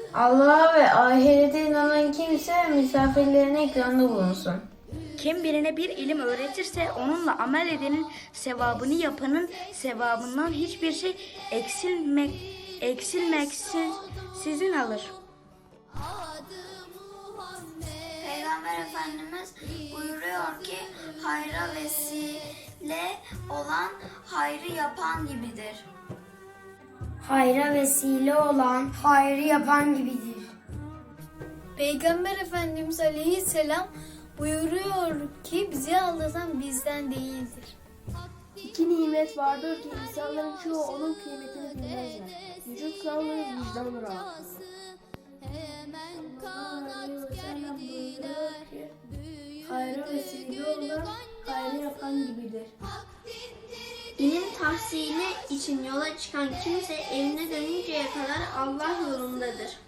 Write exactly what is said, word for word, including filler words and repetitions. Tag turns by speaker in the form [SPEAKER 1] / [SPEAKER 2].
[SPEAKER 1] Allah'a ve ahirete inanan kimse misafirlerine ikramda bulunsun.
[SPEAKER 2] Kim birine bir ilim öğretirse onunla amel edenin sevabını yapanın sevabından hiçbir şey eksilmek eksilmeksizin alır.
[SPEAKER 3] Peygamber Efendimiz buyuruyor ki hayra vesile olan hayrı yapan gibidir.
[SPEAKER 4] Hayra vesile olan hayrı yapan gibidir.
[SPEAKER 5] Peygamber Efendimiz Aleyhisselam buyuruyor ki bizi aldatan bizden değildir.
[SPEAKER 6] İki nimet vardır ki insanların çoğu onun kıymetini bilmezler. Vücut sağlığı, vicdan rahatlığı. Hayra vesile olan hayrı yapan gibidir.
[SPEAKER 3] İlim tahsili için yola çıkan kimse evine dönünceye kadar Allah yolundadır.